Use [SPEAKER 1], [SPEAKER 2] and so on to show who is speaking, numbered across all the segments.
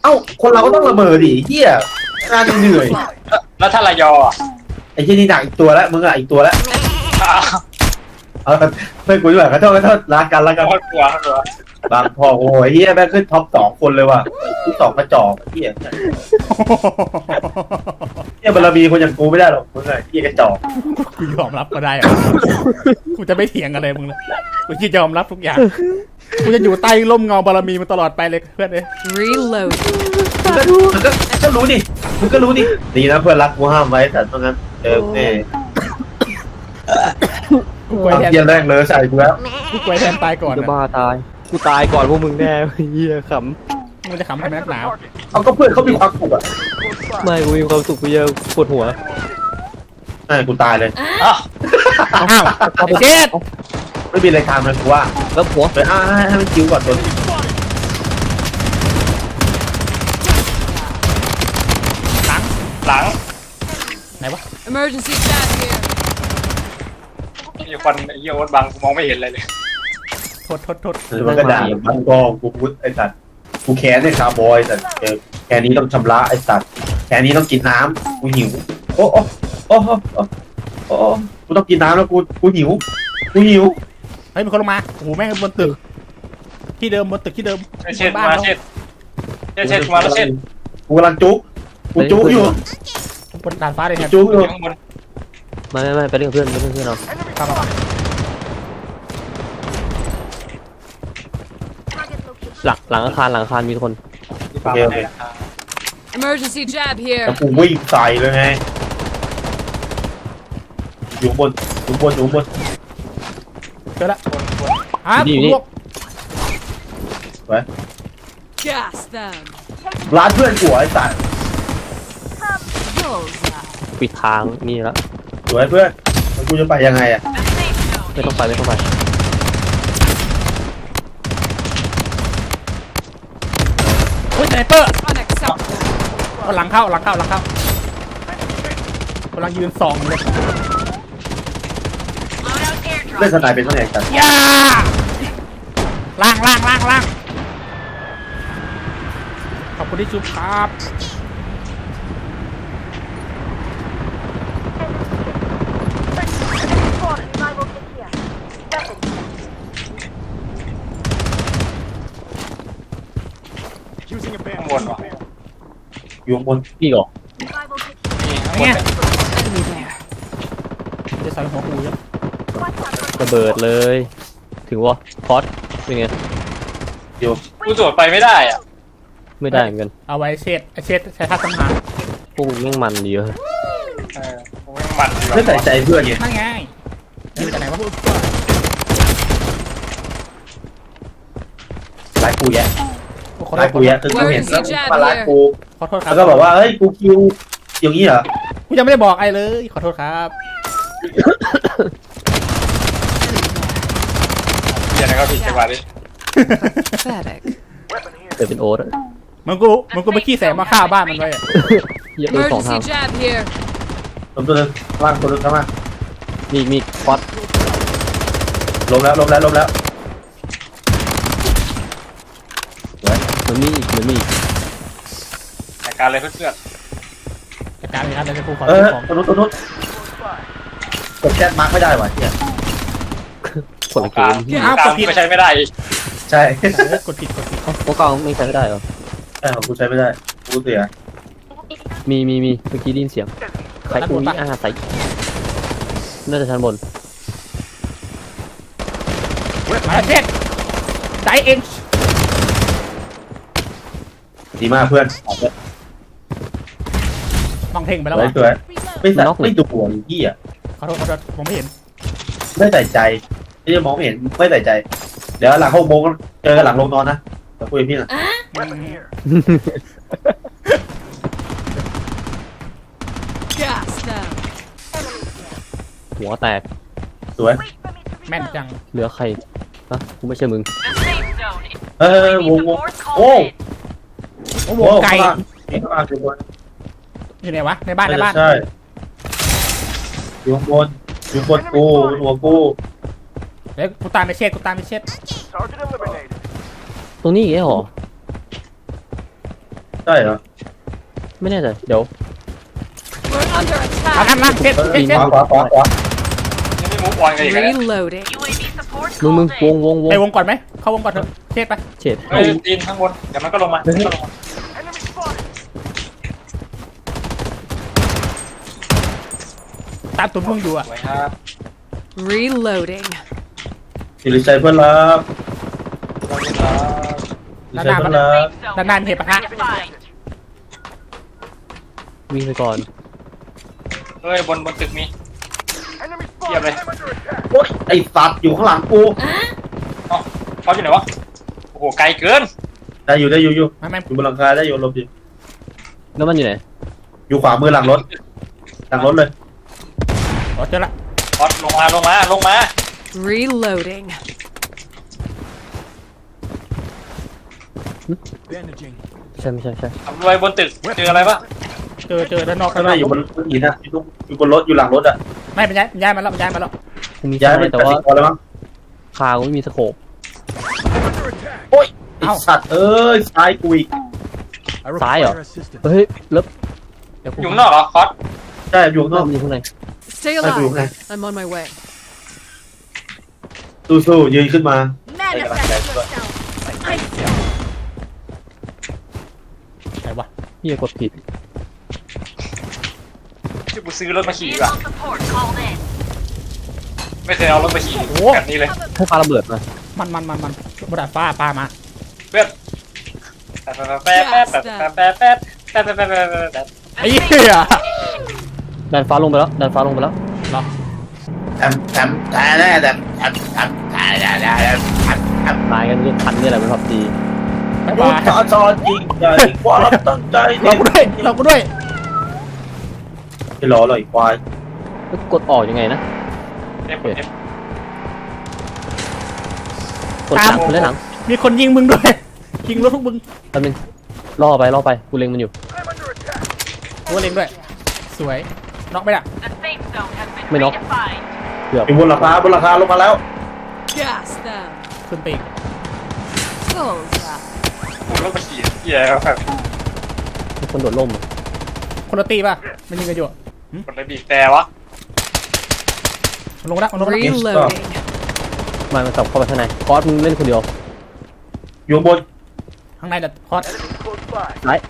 [SPEAKER 1] เอ้าคนเราก็ต้องระเบิดดิเฮียงานเหนื่อย
[SPEAKER 2] แล้วถ้าระยอ
[SPEAKER 1] ไอ้เฮียนี่หนักอีกตัวแล้วมึงอ่ะอีกตัวแล้วเอาเพื่อนกูด้วยขอโทษรักกัน
[SPEAKER 2] โคตรกลัวกลัว
[SPEAKER 1] บางพอโอ้ยเฮียแม่งขึ้นท็อป2 คนเลยว่ะที่2กระจอกเฮียบารมีคนอย่างกูไม่ได้หรอกมึงไงเฮียกระจอก
[SPEAKER 3] กูยอมรับก็ได้อะกูจะไม่เถียงอะไรมึงเลยกูจะยอมรับทุกอย่างกูจะอยู่ใต้ร่มเงาบารมีมันตลอดไปเลยเพื่อนเอ้ย
[SPEAKER 4] Reload.
[SPEAKER 1] ก็รู้ดิมึงก็รู้ดิดีนะเพื่อนรักกูห้ามไว้แต่ตรงนั้นแน่
[SPEAKER 3] กูกลัว
[SPEAKER 1] ความ
[SPEAKER 3] แทน
[SPEAKER 1] เฮียแรกเลยใส่กูแล้ว
[SPEAKER 3] กูกลัวแทนตายก่อน
[SPEAKER 5] จะ
[SPEAKER 3] อะ
[SPEAKER 5] บ้าตายกูตายก่อนพวกมึงแน่เฮียข
[SPEAKER 3] มึงจะขำทำไมนักหนาว
[SPEAKER 1] เอาก็เพื่อนเขามีความสุขอ่ะ
[SPEAKER 5] ำไม่กูมีความสุขกูเยอะปวดหัว
[SPEAKER 1] ใช่กูตายเลย
[SPEAKER 2] อ้าว
[SPEAKER 3] อ้าวไอ้เช็ด
[SPEAKER 1] ไม่มีอะไรทำเลยกูว่า
[SPEAKER 5] แล้วหัว
[SPEAKER 1] ไปให้มันคิวก่อนตัวนี้
[SPEAKER 2] หลัง
[SPEAKER 3] ไหนวะ
[SPEAKER 4] Emergency chat here.
[SPEAKER 2] มีคนไอ้เหี้ยโอ๊ตบังกูมองไม่เห็นอะไรเลย
[SPEAKER 3] โทษ
[SPEAKER 1] หรือมันก็ด่าบางกองกูพูดไอ้สัตว์กูแค้นไอ้คาร์บอยแต่แค่นี้ต้องชำระไอ้สัตว์แค่นี้ต้องกินน้ำกูหิวโอ้กูต้องกินน้ำแล้วกูหิว
[SPEAKER 3] เฮ้ยมีคนลงมาโอ้โหแม่งบนตึกที่เดิมบนตึกที่เดิม
[SPEAKER 2] เช็ดมาเช็ดมาแล้วเช็ด
[SPEAKER 1] กูกำลังจุกอยู่
[SPEAKER 3] บนดาดฟ้าเลยแทน
[SPEAKER 1] จุกอยู่
[SPEAKER 2] ข้างบน
[SPEAKER 5] ไม่ไปเล่นกับเพื่อนเรา
[SPEAKER 3] ครับ
[SPEAKER 5] หลังอาคารมีคน
[SPEAKER 2] ที่ปั๊มเลย
[SPEAKER 4] Emergency jab here.
[SPEAKER 1] แล้วกูวิ่งใส่เลยไงอยู่บน
[SPEAKER 3] เจอละอ้าวลวก
[SPEAKER 4] Gas them.
[SPEAKER 1] ร้านเพื่อนกูไอ้สัตว์
[SPEAKER 4] Bullseye.
[SPEAKER 5] ปิดทางนี่แล้ว
[SPEAKER 1] สวยเพื่อนแล้วกูจะไปยังไงอ่ะ
[SPEAKER 5] ไม่ต้องไป
[SPEAKER 3] โอ้ยสไนเปอร์
[SPEAKER 4] Unacceptable.
[SPEAKER 3] เอาหลังเข้ากำลังยืนส่องเลย
[SPEAKER 1] เล่นสไนเป็นเท่าไหร่กัน
[SPEAKER 3] ย่าล่างขอบคุณที่ชุบครับ
[SPEAKER 2] ข้างบนวะ
[SPEAKER 1] อยู่บน
[SPEAKER 5] พี่ก่อ
[SPEAKER 2] นี่ข้างบน
[SPEAKER 3] เนี่ย
[SPEAKER 2] เนี่ย
[SPEAKER 3] จะใส่หัวกูยัง
[SPEAKER 5] ระเบิดเลย ถึงวะพอดเป็นไง
[SPEAKER 1] อยู่
[SPEAKER 2] กูตรวจไปไม่ได้อ่ะ
[SPEAKER 5] ไม่ได้เหมือนกัน
[SPEAKER 3] เอาไว้เช็ดใช้ท่าสังหาร
[SPEAKER 5] พวกมึงแม่งมันดีเว้ย
[SPEAKER 2] กูไม่มันดี
[SPEAKER 1] ไม่ใส่ใจเพื่อนไง
[SPEAKER 3] นั่นไงยืนจากไหนวะ
[SPEAKER 1] ร้ายกูแยะ
[SPEAKER 3] ขอโท
[SPEAKER 1] ร้าย
[SPEAKER 3] ษ
[SPEAKER 1] กูแยะคือกูเห็นแล้วมาร้ายกู
[SPEAKER 3] ขอโทษครับ
[SPEAKER 1] แล้วก็บอกว่าเฮ้ยกูคิวอย่างนี้เหรอ
[SPEAKER 3] กูยังไม่ได้บอกไอ้เลยขอโทษครับ
[SPEAKER 2] เดี๋ยวนะครับพี่จังหวะนี้
[SPEAKER 4] Pathetic.
[SPEAKER 5] เกิดเป็นโอ๊ตอะ
[SPEAKER 3] มึงกูไปขี้แสงมาฆ่าบ้านมันไว้อะ
[SPEAKER 5] เหี้ยอะโดนสองทาง
[SPEAKER 4] Emergency jab here.
[SPEAKER 1] ตัวนึงล่างตัวนึงข้างล่าง
[SPEAKER 5] มีพอด
[SPEAKER 1] ล้มแล้ว
[SPEAKER 5] มันมีอีก
[SPEAKER 2] รายการเลยเพื่อน
[SPEAKER 3] จัดการเลยครับเดี๋ยวกูขอ
[SPEAKER 1] เอ
[SPEAKER 3] ซื้
[SPEAKER 1] อ
[SPEAKER 3] อของ
[SPEAKER 1] ตัวนู้นกดแชทมาร์กไม่ได้ว่ะเนี่ย
[SPEAKER 5] คนละเก
[SPEAKER 2] กลาง
[SPEAKER 5] ม
[SPEAKER 2] กลางก็ใช้ไม่ได้อีก
[SPEAKER 1] ใช่
[SPEAKER 3] กดผิด
[SPEAKER 5] พวกกลางไม่ใช้ไม่ได้เหรอ
[SPEAKER 1] ใช่ของกูใช้ไม่ได้กูเสีย
[SPEAKER 5] มีเมื่อกี้ได้ยินเสียงใครอุ้ยใส่น่าจะชั้นบน
[SPEAKER 3] มาเช็ดใจเอง
[SPEAKER 1] ดีมากเพื่อน
[SPEAKER 3] มองเท่งไปแล้ว
[SPEAKER 1] สวย
[SPEAKER 3] วะ
[SPEAKER 1] สวยไม่ดูหัวพี่อ่ะ
[SPEAKER 3] ขอโทษผมไม่เห็น
[SPEAKER 1] ไม่ใส่ใจไม่ได้มองไม่เห็นไม่ใส่ใจ เดี๋ยวหลัง6 โมงเจอกันหลังลงนอนนะจะคุยกับพี่นะ
[SPEAKER 4] Gas them.
[SPEAKER 5] หัวแตก
[SPEAKER 1] สวย
[SPEAKER 3] แม่นจัง
[SPEAKER 5] เหลือใครฮะกูไม่ใช่มึง
[SPEAKER 1] วงโอ้
[SPEAKER 3] โอ้โหไก่
[SPEAKER 1] ข้างล่างอยู่บน
[SPEAKER 3] อยู่ไหนวะในบ้าน
[SPEAKER 1] ใช่อยู่บนกูหัวกู
[SPEAKER 3] เดี๋ยวกูตามไปเช็ด
[SPEAKER 5] ตรงนี้อีกแล้วเหรอ
[SPEAKER 1] ใช่เหรอ
[SPEAKER 5] ไม่แน่ใจเดี๋ยว
[SPEAKER 4] We're under
[SPEAKER 3] เอานั่น
[SPEAKER 4] attack.
[SPEAKER 3] นั่นเช็ด
[SPEAKER 1] เออ
[SPEAKER 3] เช็ด
[SPEAKER 1] ข
[SPEAKER 3] เช็ด
[SPEAKER 1] วาขวาขวาขวา
[SPEAKER 2] ยังไม่มูฟออนกันอีกเลย
[SPEAKER 4] Reloading.
[SPEAKER 5] มึงวง
[SPEAKER 3] ไปวงก่อนไหมเข้าวงก่อนเถอะเช็ดไป
[SPEAKER 5] เจ็ด
[SPEAKER 2] เฮ้ยตีนข้างบนเดี๋ยวมันก็ลงมามันก็ลงมา
[SPEAKER 3] ตามตุ้มมึงอยู่อ่ะ
[SPEAKER 2] สวยครับ
[SPEAKER 4] Reloading.
[SPEAKER 1] สิริชัยเพื่อนรัก
[SPEAKER 2] สวยครับ
[SPEAKER 1] สิริชัยเพื่อนรัก
[SPEAKER 3] ด้านหน้ามีเหตุปะทะ
[SPEAKER 5] วิ่งไปก่อน
[SPEAKER 2] เฮ้ยบนตึกมีเทียบเลย
[SPEAKER 1] โอ๊ยไอ้สัตว์อยู่ข้างหลังกู
[SPEAKER 2] เอ้าเขาอยู่ไหนวะโอ้โหไกลเกิน
[SPEAKER 1] ได้อยู่อยู่
[SPEAKER 3] ไม่
[SPEAKER 1] อยู่บนหลังคาได้อยู่หลบอยู่
[SPEAKER 5] แล้วมันอยู่ไหน
[SPEAKER 1] อยู่ขวามือหลังรถเลย
[SPEAKER 3] อ๋อเจอละ
[SPEAKER 2] พอดลงมา
[SPEAKER 4] Reloading.
[SPEAKER 5] ใช่ไม่ใช่
[SPEAKER 2] ทำรวยบนตึกเจออะไรปะ
[SPEAKER 3] เจอด้านนอก
[SPEAKER 1] ข้างหน้าอยู่บนหินอะอยู่บนรถอยู่หลังรถอะ
[SPEAKER 3] ไม่เป็นย้ายมาแล้วย้ายมาแล้ว
[SPEAKER 5] กูมี
[SPEAKER 1] ย้าย
[SPEAKER 5] สไน
[SPEAKER 1] ไป
[SPEAKER 5] แต่
[SPEAKER 1] แต่
[SPEAKER 5] ว่า
[SPEAKER 1] ว่าแล้วมั้ง
[SPEAKER 5] คากูไม่มีสโคป
[SPEAKER 1] โอ๊ยไอ้สัตว์เอ้ยซ้ายกูอีก
[SPEAKER 5] ซ้ายเหรอเฮ้ยแล้ว
[SPEAKER 3] เดี๋ยวกู
[SPEAKER 2] อยู่ข้างนอกเหรอคอส
[SPEAKER 1] ใช่อยู่ข้างนอก
[SPEAKER 5] มันอยู่ข้างใน
[SPEAKER 4] Stay
[SPEAKER 1] I do,
[SPEAKER 4] alive. I'm on my way.
[SPEAKER 1] สู้ๆยืนขึ้นมา
[SPEAKER 3] ไหนวะ
[SPEAKER 5] พี่กดผิด
[SPEAKER 2] ที่กูซื้อรถมาขี่ว่ะไม่เคยเอารถมาขี่แบบนี้เลย
[SPEAKER 5] ให้ปาระเบิดมา
[SPEAKER 3] มันบดาดฟ้าปลามา
[SPEAKER 2] เพื่อนแป๊บ
[SPEAKER 3] ไอ้เหี้ย
[SPEAKER 5] ดันฟ้าลงไปแล้ว
[SPEAKER 3] เหรอ
[SPEAKER 1] แถมแต่แน่แต่แถม
[SPEAKER 5] ตายกันเรียกทันนี่แหละเป็นพับจี
[SPEAKER 3] บ๊าย
[SPEAKER 1] รู้
[SPEAKER 3] บาย
[SPEAKER 1] จอจริงใจความตั้งใจ
[SPEAKER 3] เรากูด้วย
[SPEAKER 1] ไม่รอหรอกอีกควาย
[SPEAKER 5] แล้วกดออกยังไงนะ
[SPEAKER 2] F
[SPEAKER 5] กดหลังคือเล่นหลัง
[SPEAKER 3] มีคนยิงมึงด้วยยิงรถทุกมึง
[SPEAKER 5] แป๊บนึงล่อไปกูเล็งมันอยู่
[SPEAKER 3] กูเล็งด้วยสวยน็อกไปละ
[SPEAKER 5] ไม่น็อกเกือบ
[SPEAKER 1] อยู่บนหลังคาลงมาแล้ว
[SPEAKER 4] Gas them.
[SPEAKER 3] ขึ้นไปอีก
[SPEAKER 4] Bullseye.
[SPEAKER 2] กูรถมาขี่เหี้ยแบบ
[SPEAKER 5] มีคนโดดร่มอะ
[SPEAKER 3] คนละตีป่ะมันยิงกันอยู่
[SPEAKER 2] คนเลยบีบแต่วะ
[SPEAKER 3] มันลงแล้ว
[SPEAKER 4] Reloading.
[SPEAKER 5] มันสับเข้าไปข้างในคอสมึงเล่นคนเดียว
[SPEAKER 1] อยู่บน
[SPEAKER 3] ข้างในเด็ดคอส
[SPEAKER 5] ไล่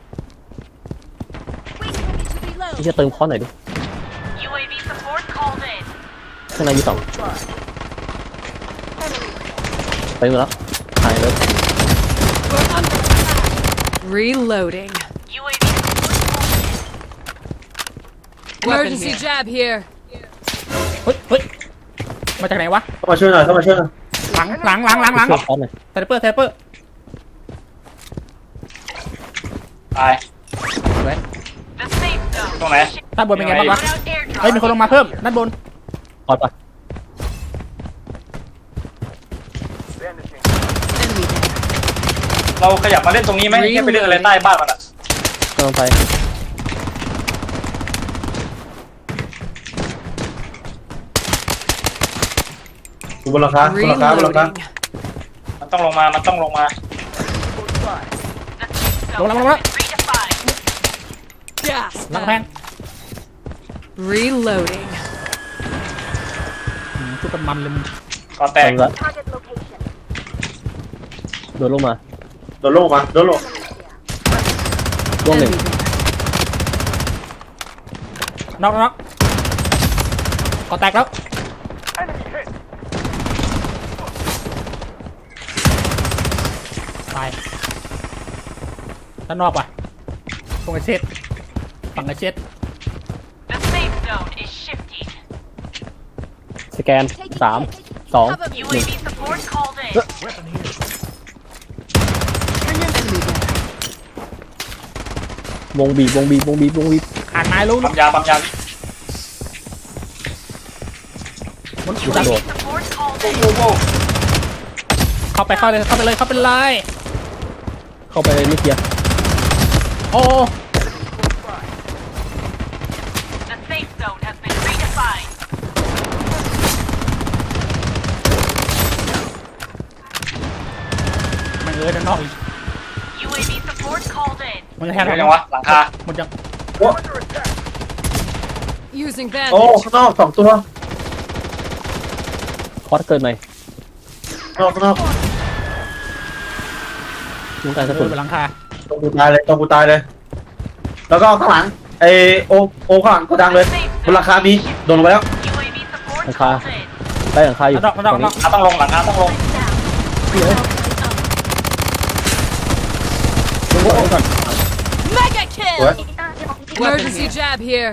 [SPEAKER 5] พี่จะเติมคอสหน่อยดิข้างในมีสองไปหมดแล้วหายเลย
[SPEAKER 4] We're under attack. Reloading. Emergency jab here.
[SPEAKER 3] เฮ้ยมาจากไหนวะ
[SPEAKER 1] เข้ามาช่วยหน่อย
[SPEAKER 3] หลัง
[SPEAKER 5] ช่วยคอสหน่อย
[SPEAKER 3] ไซเปอร์
[SPEAKER 2] ตาย
[SPEAKER 3] สวย
[SPEAKER 2] ตรงไหน
[SPEAKER 3] ด้านบนเป็นไงบ้างวะเฮ้ยมีคนลงมาเพิ่มด้านบน
[SPEAKER 5] คอสไป
[SPEAKER 4] Enemy down.
[SPEAKER 2] เราขยับมาเล่นตรงนี้ไหมแค่ไปเล่นอะไรใต้บ้านมันอ่ะ
[SPEAKER 5] กำลังไป
[SPEAKER 1] อยู่บนหลังคา
[SPEAKER 4] Reloading.
[SPEAKER 2] มันต้องลงมา
[SPEAKER 3] ลงแล้ว
[SPEAKER 4] Gas
[SPEAKER 3] หลังแพง
[SPEAKER 4] them. Reloading.
[SPEAKER 3] ชุดกันมันเลยมึง
[SPEAKER 2] ก่อแต
[SPEAKER 5] แต
[SPEAKER 2] ก
[SPEAKER 5] กละโดดลงมา
[SPEAKER 1] โดนลงมาโดนลง
[SPEAKER 5] ล่วงหนึ่ง
[SPEAKER 4] Enemy down.
[SPEAKER 3] น็อกก่อแตกแล้วตายด้านนอกว่ะตรงไอเช็ดฝั่งไอเช็ด
[SPEAKER 5] สแกน3 2 1
[SPEAKER 4] Enemy down.
[SPEAKER 5] วงบีบ
[SPEAKER 3] ขาดไม้รู้
[SPEAKER 2] ปั๊มยานี่
[SPEAKER 3] มัน
[SPEAKER 5] อยู่กระโดด
[SPEAKER 2] โอ้โห
[SPEAKER 3] เข้าไปเลยเข้าไปเลย
[SPEAKER 5] เข้าไปเลยไม่เคลียร์
[SPEAKER 3] โอ้ มันด้านนอกอีก
[SPEAKER 6] UAV support called in.
[SPEAKER 3] มันจะแทง
[SPEAKER 2] เดี๋ยวยังวะหลังคา
[SPEAKER 3] มันจะ
[SPEAKER 4] Using
[SPEAKER 1] โอ้
[SPEAKER 4] bandage.
[SPEAKER 1] ข้างนอก2 ตัว
[SPEAKER 5] คอสเกินไหม
[SPEAKER 1] ข้างนอก
[SPEAKER 5] ต้องการกระ
[SPEAKER 3] โด
[SPEAKER 5] สุ
[SPEAKER 3] น
[SPEAKER 5] น
[SPEAKER 3] ไปหลังคา
[SPEAKER 1] ตรงกูตายเลย แล้วก็ข้างหลังไอโอข้างหลังก็ดังเลยบนราคามีโดนลงไปแล้ว
[SPEAKER 5] หลังคาได้หลังคาอยู่
[SPEAKER 3] ดอก
[SPEAKER 5] ตรงนี้
[SPEAKER 2] ต้องลงหลังคาต้องลง
[SPEAKER 4] Mega kill.
[SPEAKER 1] What?
[SPEAKER 4] Emergency jab here.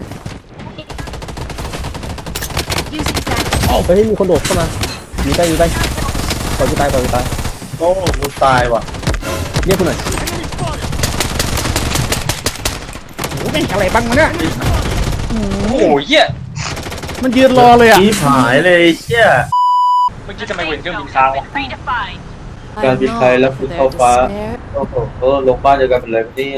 [SPEAKER 5] เฮ้ยมีคนโดดเข้ามาอยู่ใกล้ปล่อยกูตาย
[SPEAKER 1] โอ้กูตายว่ะ
[SPEAKER 5] เรียกกูหน่อย
[SPEAKER 3] โอ้ยอะไรบ้างวะเนี่ย
[SPEAKER 2] โอ้โหเหี้ย
[SPEAKER 3] มันยืนรอเลยอ่ะ
[SPEAKER 1] ชี้หายเลยเชี่ย
[SPEAKER 2] เมื่อกี้ทำไมเห็นเครื่องบินค้างวะ
[SPEAKER 1] การบินไทยแล้วคุณเข้าฟ้า โอ้โหลงบ้านเดียวกันเป็นเลยเนี่ย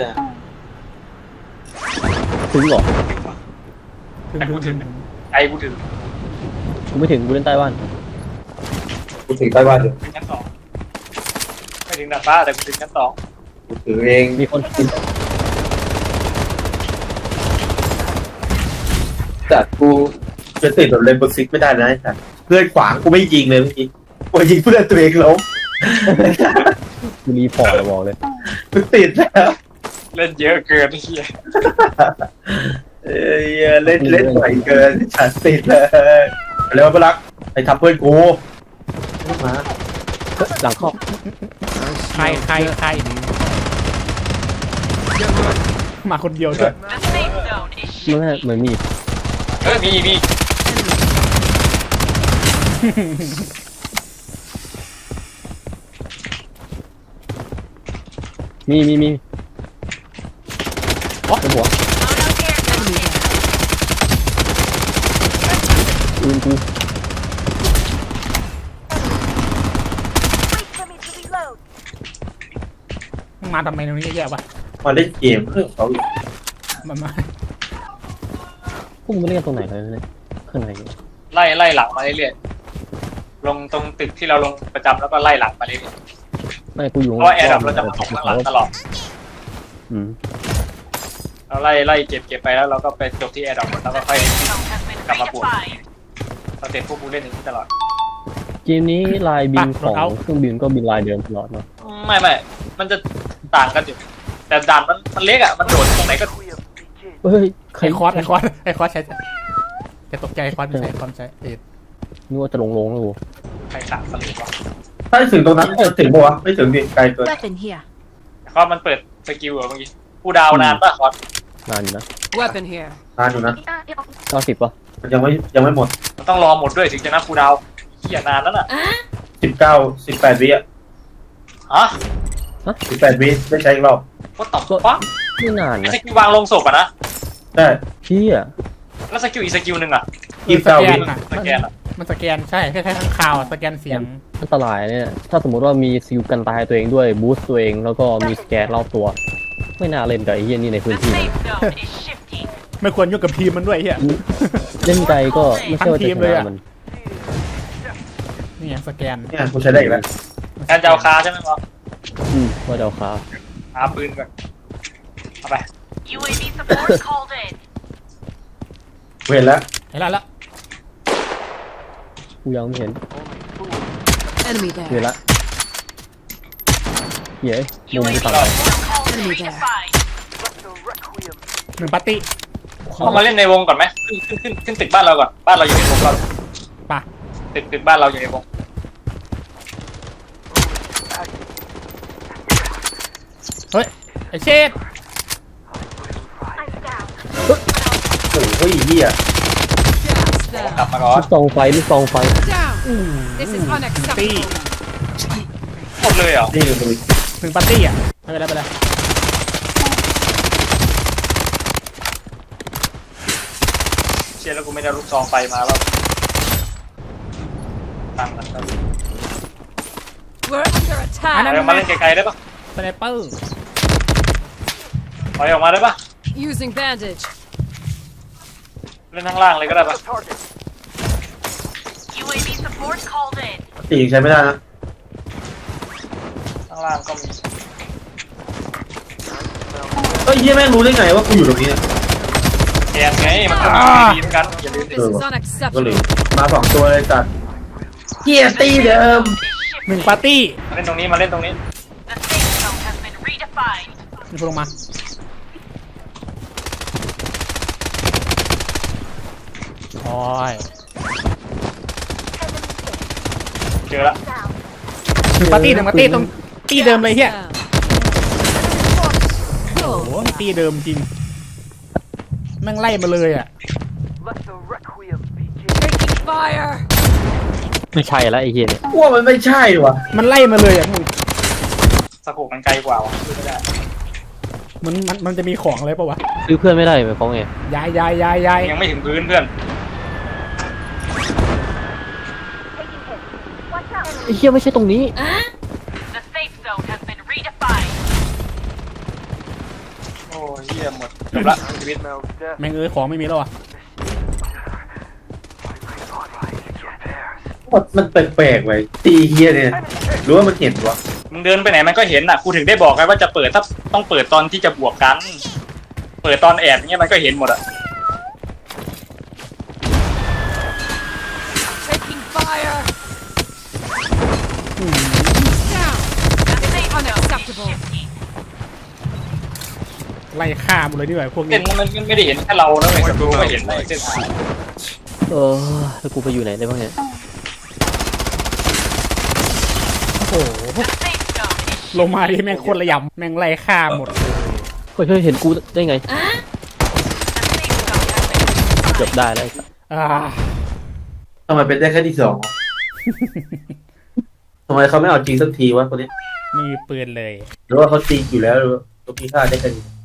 [SPEAKER 5] ถึงเหรอ
[SPEAKER 2] แต่กูถึงใจกูถึง
[SPEAKER 5] กูไม่ถึงกูเล่นใต้บ้าน
[SPEAKER 1] กูถึงใต้บ้านอยู่
[SPEAKER 2] ถึงชั้น 2ไม่ถึงดาดฟ้าแต่กูถึงชั้น 2
[SPEAKER 1] กูถือเอง
[SPEAKER 5] มีคน
[SPEAKER 1] แต่กูจะติดแบบเลนเบอร์ซิกไม่ได้นะไอ้สัสเพื่อนขวางกูไม่ยิงเลยเมื่อกี้กูยิงเพื่อนตัวเองล้ม
[SPEAKER 5] กูรีพอร์ตเลยบอกเลย
[SPEAKER 1] กูติดแล้ว
[SPEAKER 2] เล่นเยอะเกินไอ้เหี้ย
[SPEAKER 1] เล่นไหวเกินฉันติดเลยเร็วไปรักไอ้ทับเพื่อนกูมา
[SPEAKER 5] หลังเข้า
[SPEAKER 3] ใครมาคนเดียวด้วย
[SPEAKER 5] ไม่เหมือนมี
[SPEAKER 2] มี
[SPEAKER 5] เป็นหัวปืนกู
[SPEAKER 3] มาทำไมตรงนี้แย่ๆวะ
[SPEAKER 1] มาเล่นเกมเรื่องเขาอีก
[SPEAKER 3] มันมา
[SPEAKER 5] พวกมึงไม่เล่นกันตรงไหนเลยเนี่ยข้างใน
[SPEAKER 2] ไล่หลังมาเรื่อยๆลงตรงตึกที่เราลงประจำแล้วก็ไล่หลังมาเรื่อย
[SPEAKER 5] ไม่กูอยู่
[SPEAKER 2] ๆเพราะว่าแอร์ดับเราจะมาตกข้างหลังตลอด
[SPEAKER 5] อืม
[SPEAKER 2] เราไล่เก็บไปแล้วเราก็ไปจบที่แอร์ดับแล้วก็ค่อยกลับมาปวดเราเสร็จพวกกูเล่นอย่างนี้ตลอด
[SPEAKER 5] เกมนี้ลายบินของเครื่องบินก็บินลายเดิมตลอดเนาะ
[SPEAKER 2] ไม่มันจะต่างกันอยู่แต่ด่านมันเล็กอ่ะมันโดดตรงไหนก็
[SPEAKER 5] เฮ้ยใคร
[SPEAKER 3] ไอคอสใช้จะตกใจไอคอสไม่ใช่คอสใช้เอ็ด
[SPEAKER 5] นึกว่าจะลงแล้วกู
[SPEAKER 2] ใครขาดสลิปวะ
[SPEAKER 1] ถ้าถึงตรงนั้นจะถึงปะวะไม่ถึงดิไกลเกิน
[SPEAKER 4] Weapon here.
[SPEAKER 2] คอสมันเปิดสกิลเหรอเมื่อกี้กูดาวนานป่ะคอส
[SPEAKER 5] นานอยู่นะ
[SPEAKER 4] Weapon here.
[SPEAKER 1] นานอยู่นะ
[SPEAKER 5] 90ป่ะ
[SPEAKER 1] มันยังไม่หมด
[SPEAKER 2] มันต้องรอหมดด้วยถึงจะนับกูดาวเหี้ยนานแล้วน่ะ
[SPEAKER 1] 18 วิอ่ะ
[SPEAKER 2] ฮะ
[SPEAKER 1] 18 วิได้ใช้อีกรอบ
[SPEAKER 2] ก็ตอบปั๊บ
[SPEAKER 5] ไม่นาน
[SPEAKER 2] ไอ้
[SPEAKER 5] นะ
[SPEAKER 2] สกิลวางลงศพอ่ะนะ
[SPEAKER 1] ได้
[SPEAKER 5] พี่อ่ะ
[SPEAKER 2] แล้วสกิลอีกสกิลหนึ่งอ่ะ
[SPEAKER 1] 29 วิ
[SPEAKER 2] สแกนอ่ะ
[SPEAKER 3] มันสแกนใช่คล้ายๆข้างข่าวสแกนเสียง
[SPEAKER 5] อันตรายเนี่ยถ้าสมมติว่ามีซิลกันตายตัวเองด้วยบูสต์ตัวเองแล้วก็มีสแกนรอบตัว ไม่น่าเล่นกับไอ้เหี้ยนี่ในพื้นที่นะ
[SPEAKER 3] ไม่ควรยุ่งกับทีมมันด้วยเฮีย
[SPEAKER 5] เล่นไกลก็ไม่ใช่ว่าจะช
[SPEAKER 3] ทั้งทีมเลย
[SPEAKER 5] นะ
[SPEAKER 3] อะ
[SPEAKER 5] มัน
[SPEAKER 3] นี่ไงสแกน
[SPEAKER 1] เนี่ยกูใช้ได้อีกแล้ว
[SPEAKER 2] แอนจะเอาคาใช่ไหมวะ
[SPEAKER 5] ว่าจะเอาขา
[SPEAKER 2] หาปืนก่อนเอาไป
[SPEAKER 6] UAV support called in.
[SPEAKER 1] กูเห็นแล้ว
[SPEAKER 3] เห็นแล้ว
[SPEAKER 5] กูยังไม่เห็น
[SPEAKER 4] Enemy
[SPEAKER 5] เห็น
[SPEAKER 4] there.
[SPEAKER 5] ละเย้มุม
[SPEAKER 6] UAV
[SPEAKER 5] ที่ฝั่ง
[SPEAKER 6] support called in.
[SPEAKER 4] Enemy there.
[SPEAKER 6] Redefined.
[SPEAKER 3] หนึ่งปาร์ตี้
[SPEAKER 2] เข้ามาเล่นในวงก่อนไหมขึ้นตึกบ้านเราก่อนบ้านเราอยู่ในวงก่อน
[SPEAKER 3] ป่ะ
[SPEAKER 2] ตึกบ้านเราอยู่ในวง
[SPEAKER 3] เฮ้ยไอเชด
[SPEAKER 1] โอ้ยเหี้ย
[SPEAKER 4] Jabs
[SPEAKER 2] กลับ
[SPEAKER 4] there.
[SPEAKER 2] มาก่อน
[SPEAKER 5] ลูกซองไฟ
[SPEAKER 4] Down. This is
[SPEAKER 3] ตี้
[SPEAKER 4] unacceptable.
[SPEAKER 2] หมดเลยเหรอ
[SPEAKER 1] นี่ดู
[SPEAKER 3] หนึ่งปาร์ตี้อ่ะไม่เป็นไร
[SPEAKER 2] เชียร์แล้วกูไม่ได้ลูกซองไฟมาแล้วตั้งมันก็
[SPEAKER 4] We're under
[SPEAKER 3] อัน
[SPEAKER 4] attack.
[SPEAKER 3] นั้น
[SPEAKER 2] เอามาเล่นไกลๆได้ปะ
[SPEAKER 3] สไนเปอร์
[SPEAKER 2] ถอยออกมาได้ปะ
[SPEAKER 4] Using bandage.
[SPEAKER 2] เล่นข้างล่างเลยก็ได้ปะ
[SPEAKER 6] UAV support called in.
[SPEAKER 1] ตีใช้ไม่ได้นะ
[SPEAKER 2] ข้างล่างก็มี
[SPEAKER 1] เหี้ยแม่งรู้ได้ไงว่ากูอยู่ตรงนี้เนี่ย
[SPEAKER 2] แอนไงมันก็มีเหมือนกันอย่าลืมดิ
[SPEAKER 4] This is
[SPEAKER 1] ก็เลย
[SPEAKER 4] unacceptable.
[SPEAKER 1] มา2ตัวเลยจัดเฮียตีเดิม
[SPEAKER 3] 1 ปาร์ตี้
[SPEAKER 2] มาเล่นตรงนี้มาเล่นตรงนี้
[SPEAKER 6] The safe zone has been redefined.
[SPEAKER 3] มีคนลงมาโอ้ย
[SPEAKER 2] เจอละ
[SPEAKER 3] 1 ปาร์ตี้1 ปาร์ตี้ตรงตี้เดิมเลยเฮีย
[SPEAKER 4] Down.
[SPEAKER 3] โอ้โหตี้เดิมจริงแม่งไล่มาเลยอ่ะ
[SPEAKER 4] Taking fire.
[SPEAKER 5] ไม่ใช่แล้วไอ้เหี้ยเนี่ย
[SPEAKER 1] กูว่ามันไม่ใช่ว่ะ
[SPEAKER 3] มันไล่มาเลยอ่ะมึง
[SPEAKER 2] สะโพกมันไกลกว่าว่ะพูดไม่ได้
[SPEAKER 3] มันจะมีของอะไรปะวะ
[SPEAKER 5] ซื้อเพื่อนไม่ได้ไหมฟ้องไง
[SPEAKER 3] ย้าย
[SPEAKER 2] ยังไม่ถึงพื้นเพื่อน
[SPEAKER 5] ไอ้เหี้ยไม่ใช่ตรงนี้
[SPEAKER 6] The safe zone has been redefined.
[SPEAKER 2] โอ้เหี้ยหมดจบละชีวิต
[SPEAKER 3] แม่งของไม่มีแล้วอ่ะ
[SPEAKER 1] มันแปลกๆไว้ตีเฮียเนี่ยหรือว่ามันเห็นวะ
[SPEAKER 2] มึงเดินไปไหนมันก็เห็นอ่ะกูถึงได้บอกไงว่าจะเปิดถ้าต้องเปิดตอนที่จะบวกกัน เปิดตอนแอบอย่างเงี้ยมันก็เห็นหมดอ่ะ
[SPEAKER 4] Taking fire. Down.
[SPEAKER 6] The safe zone is
[SPEAKER 4] Unacceptable.
[SPEAKER 6] shifty.
[SPEAKER 3] ไล่ฆ่าหมดเลยดีกว่าพวก
[SPEAKER 2] เส้
[SPEAKER 3] นี้
[SPEAKER 2] นมันไม่ได้เห็นแค่เรานะเว้ยดูก็เห็นในเส้นทาง
[SPEAKER 5] แล้วกูไปอยู่ไหนได้บ้างเนี่ย
[SPEAKER 3] โอ้โห
[SPEAKER 6] The safe zone is
[SPEAKER 3] ลงมาที่แม่งโคนระยำแม่งไล่ฆ่าหมด
[SPEAKER 5] เฮ้ยเห็นกูได้ไง
[SPEAKER 6] the safe zone has been
[SPEAKER 5] เกือบได้แล้วไอ้สัส
[SPEAKER 3] อ่า
[SPEAKER 1] ทำไมเป็นได้แค่ที่2วะทำไมเขาไม่เอาจริงสักทีวะคนนี้
[SPEAKER 3] ไม่มีปืนเลย
[SPEAKER 1] หรือว่าเขาจริงอยู่แล้วหรือว่าเขาพิฆาตได้แค่นี้